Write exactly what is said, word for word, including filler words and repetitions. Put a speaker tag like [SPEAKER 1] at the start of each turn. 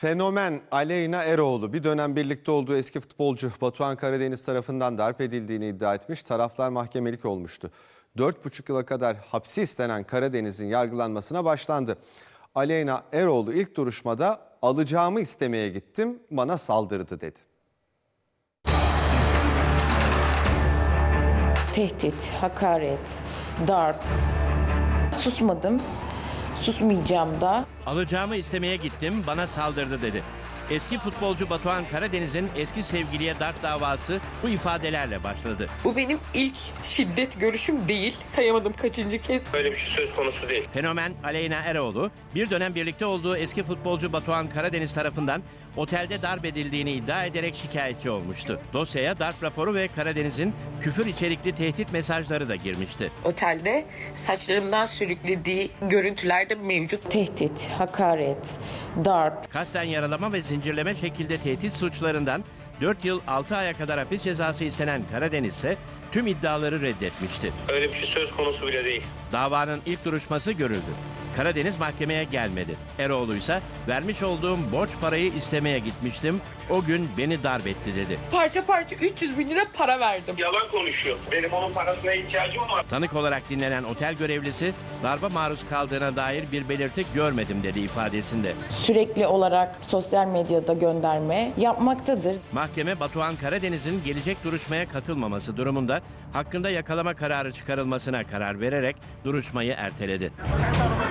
[SPEAKER 1] Fenomen Aleyna Eroğlu bir dönem birlikte olduğu eski futbolcu Batuhan Karadeniz tarafından darp edildiğini iddia etmiş. Taraflar mahkemelik olmuştu. dört buçuk yıla kadar hapsi istenen Karadeniz'in yargılanmasına başlandı. Aleyna Eroğlu ilk duruşmada alacağımı istemeye gittim, bana saldırdı dedi.
[SPEAKER 2] Tehdit, hakaret, darp. Susmadım, susmayacağım da.
[SPEAKER 3] Alacağımı istemeye gittim, bana saldırdı dedi. Eski futbolcu Batuhan Karadeniz'in eski sevgiliye darp davası bu ifadelerle başladı.
[SPEAKER 4] Bu benim ilk şiddet görüşüm değil. Sayamadım kaçıncı kez.
[SPEAKER 5] Böyle bir şey söz konusu değil.
[SPEAKER 3] Fenomen Aleyna Eroğlu bir dönem birlikte olduğu eski futbolcu Batuhan Karadeniz tarafından otelde darp edildiğini iddia ederek şikayetçi olmuştu. Dosyaya darp raporu ve Karadeniz'in küfür içerikli tehdit mesajları da girmişti.
[SPEAKER 4] Otelde saçlarımdan sürüklediği görüntüler de mevcut.
[SPEAKER 2] Tehdit, hakaret, darp.
[SPEAKER 3] Kasten yaralama ve zincirleme şekilde tehdit suçlarından dört yıl altı aya kadar hapis cezası istenen Karadeniz ise tüm iddiaları reddetmişti.
[SPEAKER 5] Öyle bir şey söz konusu bile değil.
[SPEAKER 3] Davanın ilk duruşması görüldü. Karadeniz mahkemeye gelmedi. Eroğlu ise vermiş olduğum borç parayı istemeye gitmiştim. O gün beni darp etti dedi.
[SPEAKER 4] Parça parça üç yüz bin lira para verdim.
[SPEAKER 5] Yalan konuşuyor. Benim onun parasına ihtiyacım var.
[SPEAKER 3] Tanık olarak dinlenen otel görevlisi darba maruz kaldığına dair bir belirti görmedim dedi ifadesinde.
[SPEAKER 2] Sürekli olarak sosyal medyada gönderme yapmaktadır.
[SPEAKER 3] Mahkeme Batuhan Karadeniz'in gelecek duruşmaya katılmaması durumunda hakkında yakalama kararı çıkarılmasına karar vererek duruşmayı erteledi.